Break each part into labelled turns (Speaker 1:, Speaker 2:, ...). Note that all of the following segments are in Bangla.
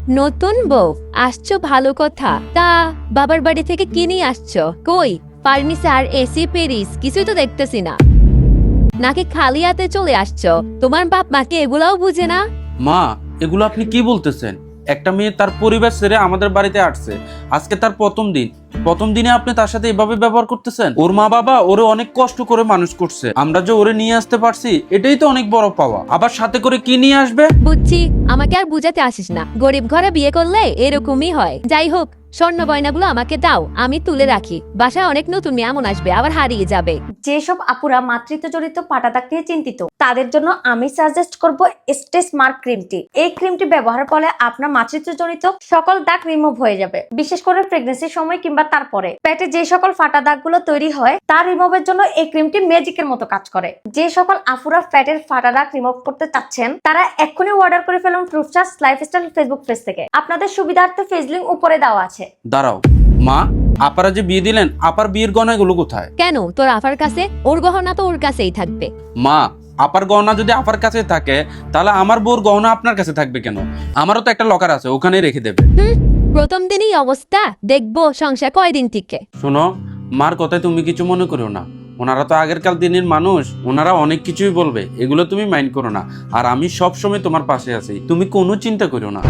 Speaker 1: নতুন বউ আসছো, ভালো কথা। তা বাবার বাড়ি থেকে কি নিয়ে আসছো? কই ফার্নিচার, এসি, পেরিস কিছুই তো দেখতেছি না। নাকি খালি হাতে চলে আসছো? তোমার বাপ মাকে এগুলাও বুঝে না?
Speaker 2: মা, এগুলো আপনি কি বলতেছেন? একটা মেয়ে তার পরিবার ছেড়ে আমাদের বাড়িতে আসছে, আজকে তার প্রথম দিনে আপনি তার সাথে এভাবে ব্যবহার করতেছেন? ওর মা বাবা ওরে অনেক কষ্ট করে মানুষ করছে, আমরা যে ওরে নিয়ে আসতে পারছি এটাই তো অনেক বড় পাওয়া। আবার সাথে করে কি নিয়ে আসবে?
Speaker 1: বুঝছি, আমাকে আর বুঝাতে আসিস না। গরিব ঘরে বিয়ে করলে এরকমই হয়। যাই হোক, স্বর্ণ গয়নাগুলো আমাকে দাও, আমি তুলে রাখি। বাসায় অনেক নতুন মেহমান আসবে, আবার হারিয়ে যাবে।
Speaker 3: যেসব আপুরা মাতৃত্ব জড়িত পাটা দাগ নিয়ে চিন্তিত, তাদের জন্য আমি সাজেস্ট করব স্টেজ মার্ক ক্রিমটি। এই ক্রিমটি ব্যবহারের ফলে আপনার মাতৃত্ব জড়িত সকল দাগ রিমুভ হয়ে যাবে। বিশেষ করে প্রেগন্যান্সির সময় কিংবা তারপরে পেটে যে সকল ফাটা দাগগুলো তৈরি হয় তার রিমুভের জন্য এই ক্রিমটি ম্যাজিকের মতো কাজ করে। যে সকল আপুরা ফ্যাটের ফাটা দাগ রিমুভ করতে চাচ্ছেন তারা এক্ষুনি অর্ডার করে ফেলুন ফ্রুটচার্জ লাইফস্টাইল ফেসবুক পেজ থেকে। আপনাদের সুবিধার্থে পেজ লিংক উপরে দেওয়া আছে।
Speaker 2: দাঁড়াও মা, আপারা যে বিয়ে দিলেন, আপার বিয়ের গয়নাগুলো কোথায়?
Speaker 1: কেন, তোর আফার কাছে? ওর গহনা তো ওর কাছেই থাকবে।
Speaker 2: মা, আপার গহনা যদি আপার কাছে থাকে তাহলে আমার বউর গহনা আপনার কাছে থাকবে কেন? আমারও তো একটা লকার আছে, ওখানেই রেখে দেবে।
Speaker 1: প্রথম দিনই অবস্থা, দেখবো সংসার কয়দিন টিকে।
Speaker 2: শোনো, মার কথায় তুমি কিছু মনে করো না। ওনারা তো আগেরকার দিনের মানুষ, ওনারা অনেক কিছুই বলবে, এগুলো তুমি মাইন্ড করো না। আর আমি সব সময় তোমার পাশে আছি, তুমি কোনো চিন্তা করো না।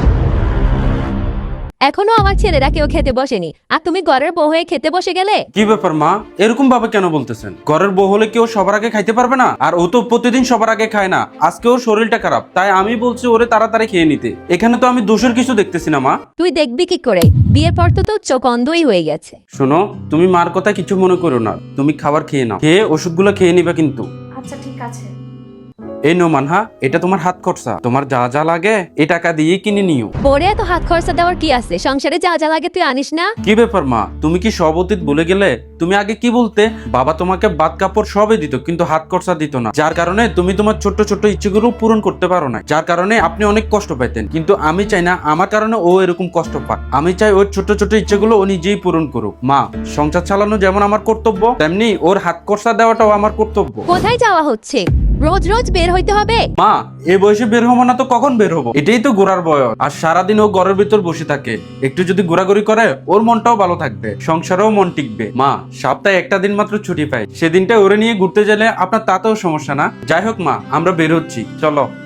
Speaker 1: এখনো আমার ছেলেরা কেউ খেতে বসেনি, আর তুমি ঘরের বউ হয়ে খেতে বসে গেলে।
Speaker 2: কি ব্যাপার মা, এরকম ভাবে কেন বলতেছেন? ঘরের বউ হলে কেউ সবার আগে খাইতে পারবে না? আর ও তো প্রতিদিন সবার আগে খায় না, আজকে ওর শরীরটা খারাপ, তাই আমি বলছি ওরে তাড়াতাড়ি খেয়ে নিতে। এখানে তো আমি দোষের কিছু দেখতেছি না মা।
Speaker 1: তুই দেখবি কি করে? বিয়ের পর তো তোর চোখ অন্ধই হয়ে গেছে।
Speaker 2: শোনো, তুমি মার কথা কিছু মনে করো না, তুমি খাবার খেয়ে নাও, খেয়ে ওষুধগুলো খেয়ে নিবা কিন্তু।
Speaker 3: আচ্ছা ঠিক আছে।
Speaker 2: এই নো মানহা, এটা তোমার হাত খরচা, তোমার যা যা লাগে এই টাকা দিয়ে কিনে নিও।
Speaker 1: পরে এত হাত খরচা দেওয়ার কি আছে? সংসারে যা যা লাগে তুই আনিস না?
Speaker 2: কি ব্যাপার মা, তুমি কি সব অতীত ভুলে গেলে? তুমি আগে কি বলতে, বাবা তোমাকে বাদ কাপড় সবই দিত কিন্তু হাত খরচা দিত না, যার কারণে তুমি তোমার ছোট্ট ছোট্ট ইচ্ছেগুলো পূরণ করতে পারো না, যার কারণে আপনি অনেক কষ্ট পাইতেন। কিন্তু আমি চাই না আমার কারণে ও এরকম কষ্ট পাক। আমি চাই ওর ছোট্ট ছোট্ট ইচ্ছেগুলো ও নিজেই পূরণ করুক। মা, সংসার চালানো যেমন আমার কর্তব্য, তেমনি ওর হাত খরচা দেওয়াটাও আমার কর্তব্য।
Speaker 1: কোথায় যাওয়া হচ্ছে? রোজ রোজ বের হইতে হবে?
Speaker 2: মা, এই বয়সে বের হবো না তো কখন বের হবো? এটাই তো ঘোরার বয়স। আর সারাদিন ও ঘরের ভিতর বসে থাকে, একটু যদি ঘোরাঘুরি করে ওর মনটাও ভালো থাকবে, সংসারেও মন টিকবে। মা, সপ্তাহে একটা দিন মাত্র ছুটি পাই, সেদিনটা ওরে নিয়ে ঘুরতে গেলে আপনার তাতেও সমস্যা না। যাই হোক মা, আমরা বের হচ্ছি, চলো।